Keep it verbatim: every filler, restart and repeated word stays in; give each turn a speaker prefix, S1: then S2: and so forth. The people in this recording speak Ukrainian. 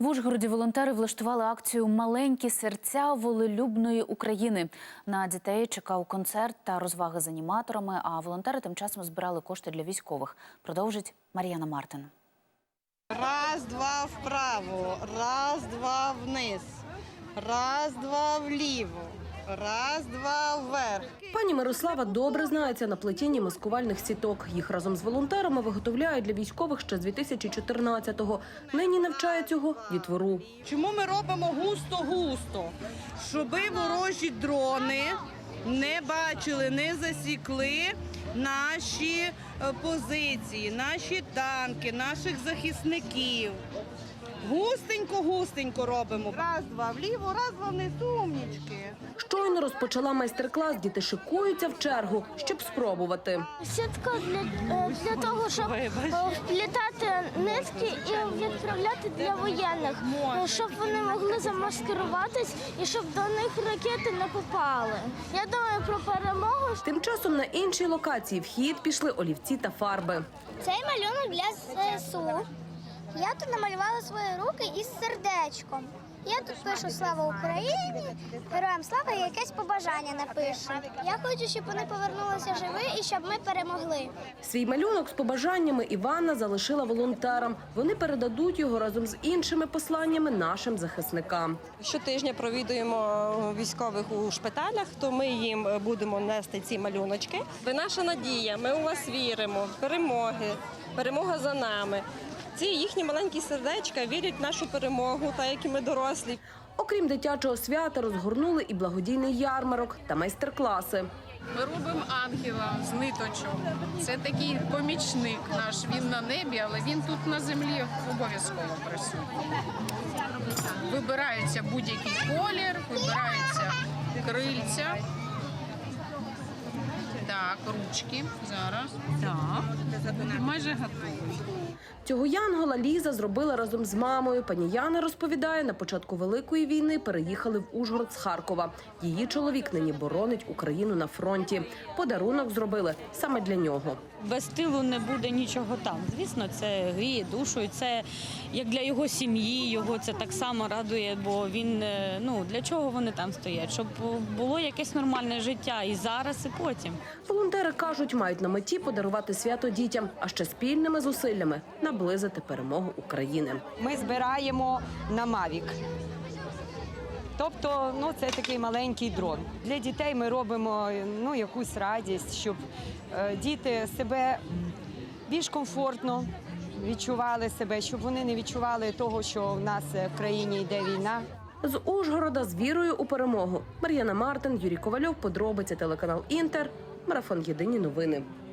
S1: В Ужгороді волонтери влаштували акцію «Маленькі серця волелюбної України». На дітей чекав концерт та розваги з аніматорами, а волонтери тим часом збирали кошти для військових. Продовжить Мар'яна Мартин.
S2: Раз, два вправо, раз, два вниз, раз, два вліво, раз, два вверх.
S3: Пані Мирослава добре знається на плетінні маскувальних сіток. Їх разом з волонтерами виготовляють для військових ще з дві тисячі чотирнадцятого. Нині навчає цього дітвору.
S2: Чому ми робимо густо-густо? Щоби ворожі дрони не бачили, не засікли наші позиції, наші танки, наших захисників. Густенько-густенько робимо. Раз, два вліво, раз, два вниз, умнічки.
S3: Щойно розпочала майстер-клас, діти шикуються в чергу, щоб спробувати.
S4: Сітка для, для того, щоб вплітати нитки і відправляти для воєнних, щоб вони могли замаскируватись і щоб до них ракети не попали. Я думаю про перемогу.
S3: Тим часом на іншій локації в хід пішли олівці та фарби.
S4: Цей малюнок для ЗСУ. Я тут намалювала свої руки із сердечком. Я тут пишу «Слава Україні», «Героям слава» і якесь побажання напишу. Я хочу, щоб вони повернулися живі і щоб ми перемогли.
S3: Свій малюнок з побажаннями Іванна залишила волонтерам. Вони передадуть його разом з іншими посланнями нашим захисникам.
S5: Щотижня провідуємо військових у шпиталях, то ми їм будемо нести ці малюночки. Ви наша надія, ми у вас віримо, перемоги, перемога за нами. Ці їхні маленькі сердечка вірять в нашу перемогу, так як і ми дорослі.
S3: Окрім дитячого свята, розгорнули і благодійний ярмарок та майстер-класи.
S6: Ми робимо ангела з ниточок. Це такий помічник наш. Він на небі, але він тут на землі обов'язково присутній. Вибирається будь-який колір, вибираються крильця. Так, ручки. Зараз. Так. Майже готові.
S3: Цього янгола Ліза зробила разом з мамою. Пані Яна розповідає, на початку Великої війни переїхали в Ужгород з Харкова. Її чоловік нині боронить Україну на фронті. Подарунок зробили саме для нього.
S7: Без тилу не буде нічого там. Звісно, це гріє душу, і це як для його сім'ї, його це так само радує, бо він, ну, для чого вони там стоять? Щоб було якесь нормальне життя і зараз, і потім.
S3: Волонтери кажуть, мають на меті подарувати свято дітям, а ще спільними зусиллями наблизити перемогу України.
S8: Ми збираємо на Мавік. Тобто, ну, це такий маленький дрон. Для дітей ми робимо, ну, якусь радість, щоб е, діти себе більш комфортно відчували себе, щоб вони не відчували того, що в нас в країні йде війна.
S3: З Ужгорода з вірою у перемогу. Мар'яна Мартин, Юрій Ковальов, подробиці, телеканал «Інтер», марафон «Єдині новини».